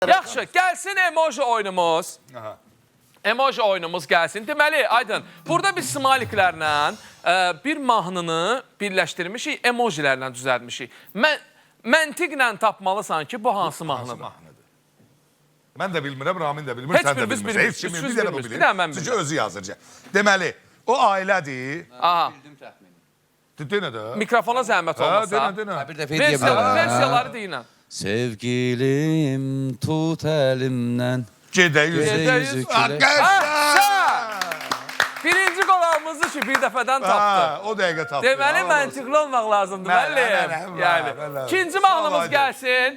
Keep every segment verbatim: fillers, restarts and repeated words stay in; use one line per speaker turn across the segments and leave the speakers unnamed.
Yaxşı, gəlsin emoji oyunumuz.
Aha.
Emoji oyunumuz gəlsin. Deməli, Aydın, burada biz smaliklərlə e, bir mahnını birləşdirmişik, emojilərlə düzəltmişik. Mən, məntiqlə tapmalısan ki, bu hansı mahnıdır?
mahnıdır? Mən də bilmirəm, Ramin də bilmir,
Heç
sən də
birimiz
bilmirsən.
bilmirik.
Heç kim
Üçümüz
bir dənə bu
bilmirik.
bilir.
Bir dənə mən
Çünki
bilmirəm.
özü yazırca. Deməli, o ailədir.
Aha,
Denə də.
mikrofona zəhmət
Ha,
olmasa.
denə, denə.
Bir dəfə deyə
Versiya,
bilərəm.
versiyaları deyinən.
Sevgilim tut əlimdən.
Gedə yüz.
Gedə yüzü külək.
Arkadaşlar!
Birinci qolağımızı ki, bir dəfədən tapdı.
Ha, o dəqiqə tapdı.
Deməli,
Allah olsun.
məntiqli olmaq lazımdır,
Mən-
müəllim.
mən- mən-
Yəni,
mən- mən-
ikinci
Sağ ol,
mahnımız
Aydın.
gəlsin.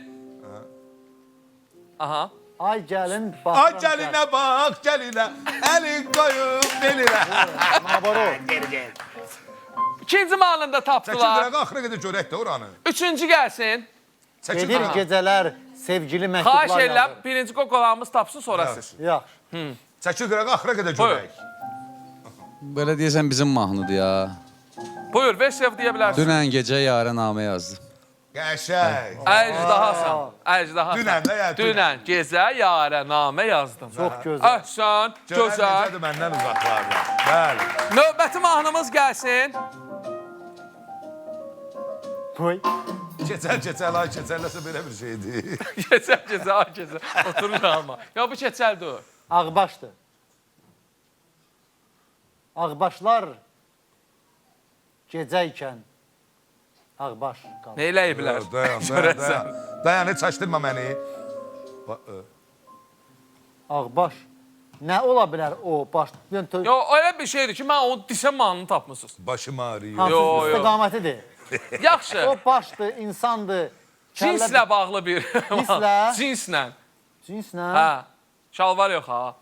Aha.
Ay gəlin,
Ay
baxıram.
gəlinə bax, gəlinə, əlin qoyub belinə.
Mabaro.
İkinci mahnını da
Çəkil
tapdılar.
qırağa, axıra qədər görək də oranı.
Üçüncü gəlsin.
Çəkil
Gedir
qırağa.
gecələr, sevgili
Xahiş
məktublar
edirəm,
yazır.
birinci qolağımız tapsın, sonra siz.
Yaxşı.
Çəkil qırağa, axıra qədər görək.
Belə deyəsən bizim mahnıdır ya.
Buyur, versiya deyə bilərsin.
Dünən gecə yarə namə yazdım.
Qəşəng.
Əcdahasan, əcdahasan.
Dünən də ya, dünən.
Dünən gecə yarə namə yazdım.
Çox gözəl.
Əhsən,
Görən
gözəl.
necədir məndən uzaqlarda. Bəli.
Növbəti mahnımız gəlsin.
Qoy.
Keçəl, keçəl, ay keçəlləsə belə bir şeydir.
Keçəl, keçəl, ay keçəl. Oturur ama. Ya bu keçəl dur.
Ağbaşdır. Ağbaşlar gecə ikən ağbaş qalır.
Nə eləyiblər?
Dayan, dayan, dayan. Dayan, heç açdırma məni. Ba- ə.
Ağbaş. Nə ola bilər o baş? Yəni,
Yo, öyle bir şeydir ki, mən onu desəm mahnını tapmısınız.
Başım ağrıyor.
hansı
Yo, yo.
istiqamətidir?
Yaxşı.
O başdır, insandır.
Cinslə bağlı bir.
Cinslə?
Cinslə.
Cinslə.
Hə. Şalvar yox ha.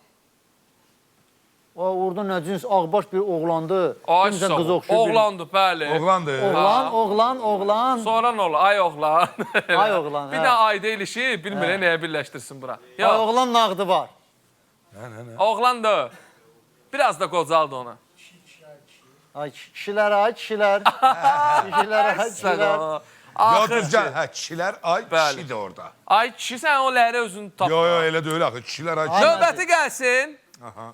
O orada nə cins ağbaş bir oğlandı.
Ay
Kimsə
sağ
qız
ol.
oxşuyur.
Oğlandı, bəli.
Oğlandır.
Oğlan, oğlan, oğlan.
Sonra nə olur? Ay oğlan.
Ay oğlan,
Bir
hə.
də ayda ilişi, bilmirəm nəyə birləşdirsin bura.
Ay
Yox,
oğlan nağdı var.
oğlandı. Biraz da qocaldı ona.
Ay kişilər, ay kişilər. Kişilər, ay kişilər.
Yo,
Axır
düzgən.
ki,
Hə, kişilər, ay
Bəli.
kişi də orada.
ay kişi sən o ləhərə özünü tap.
Yo, yo, elə deyil axı. Kişilər, ay kişi.
Növbəti gəlsin.
Aha.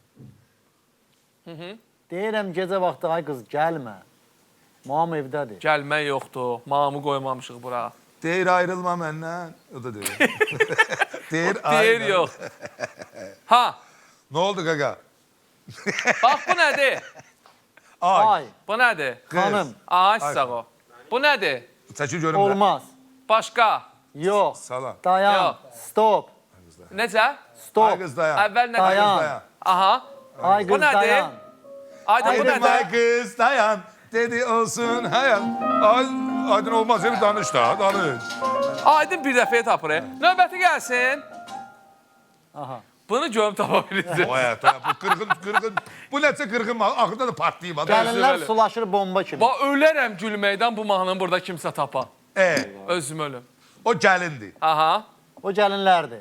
Deyirəm gecə vaxtı ay qız gəlmə. Mam evdədir.
Gəlmək yoxdur. Mamı qoymamışıq bura.
Deyir ayrılma məndən. O da deyir. Deyir
Deyir
ayrılma.
yox. Ha,
Nə oldu qaqa?
bax bu nədir?
Ay.
Ay,
Bu nədir?
xanım,
Ay sağ ol. Bu nədir?
Çəkil görüm də.
olmaz.
Başqa.
Yox.
Salam.
Dayan.
Yox.
Stop.
Necə?
Ay
Stop.
qız dayan.
Əvvəl nə
Dayan.
dedi?
Dayan.
Aha.
Ay
Bu
qız
nədir?
dayan.
Aydın bu
Dedim ay
nədir?
qız dayan. Dedi olsun hayal. Ay, aydın olmaz. Bir danış da, danış.
Aydın bir dəfəyə tapır. e. Növbəti gəlsin.
Aha.
Bunu görüm tapa bilirsiniz.
O həyata, bu qırğın, qırğın. Bu nəsə qırğın, axırda da partlayıb. adam.
Gəlinlər
Özü
sulaşır bomba kimi.
Va ölərəm gülməkdən bu mahnını burada kimsə tapa.
E,
Özüm ölüm.
o gəlindir.
Aha.
O gəlinlərdir.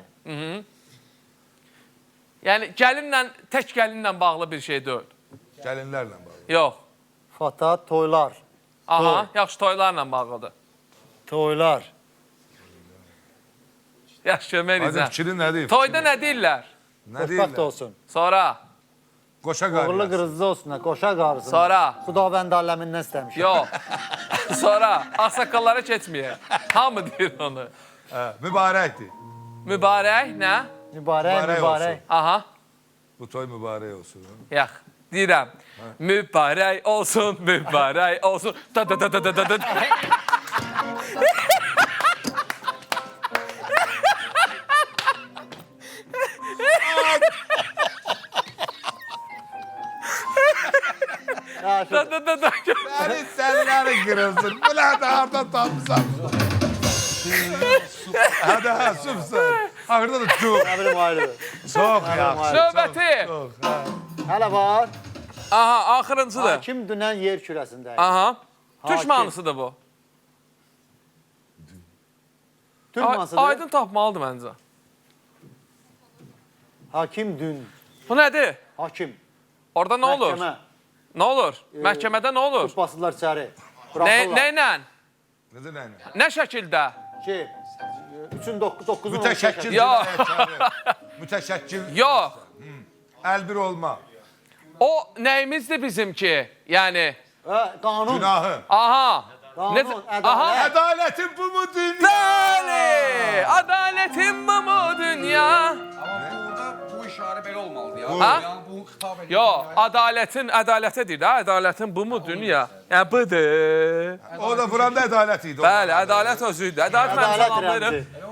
Yəni gəlinlə, tək gəlinlə bağlı bir şey deyil.
Gəlinlərlə bağlı.
Yox.
Fata, toylar.
Aha, yaxşı toylarla bağlıdır.
Toylar.
Yaxşı kömək
Aydın
edəcəm.
fikrin nədir?
Toyda nə deyirlər?
Nə
Xoşbəxt
deyirlər?
olsun.
Sonra.
Qoşa
Uğurlu
qarıyası.
qırızlı olsun, ha, qoşa qarısın.
Sonra.
Xudavənd aləmindən istəmişəm.
Yox. Sonra ağsaqqallara keçməyək. Hamı deyir onu.
Hə, mübarəkdir.
Mübarək nə?
Mübarək,
Mübarək
mübarək.
Aha.
Bu toy mübarək olsun.
Yox. Deyirəm. Mübarək olsun, mübarək olsun. Da da da da da da da.
Yaxşı.
Da da da da.
Sənin sənləri qırılsın. Bu nədə hardan tapmışsan? Hadi ha, süpsən. Axırda da çox.
Nə bilim ayrı.
Çox yaxşı.
Növbəti.
Çox, hə.
Hələ var.
Aha, axırıncıdır.
Hakim dünən yer kürəsində.
Aha. Türk
Hakim.
mahnısıdır bu.
Türk
Ay-
mahnısıdır.
Aydın tapmalıdır məncə.
Hakim dün.
Bu nədir?
Hakim.
Orada nə olur?
Məhkəmə.
Nə olur? Məhkəmədə nə olur?
Basırlar içəri.
Nə,
Buraxırlar.
nə ilə?
Necə nə ilə?
Nə şəkildə?
Ki, üçün doqquzun
Mütəşəkkil
Ya.
cinayətkarı. Mütəşəkkil.
Yox,
Əlbir olma.
o nəyimizdir bizimki? Yəni,
Qanun.
Günahı.
aha.
Qanun,
Necə-
ədalət.
Aha.
Ədalətin bu mu dünya?
Bəli, adalətin bu mu dünya?
Amma burada bu işarə belə olmalıdır ya.
Ha?
Yəni bu xitab edir.
Yo, adalətin, ədalətə deyir də, ədalətin bu mu dünya? Yəni, budur.
O da buranda ədalət idi.
Bəli, ədalət özüydü. Ədalət mən
Ədalət
salamlayırım.
rəmzi.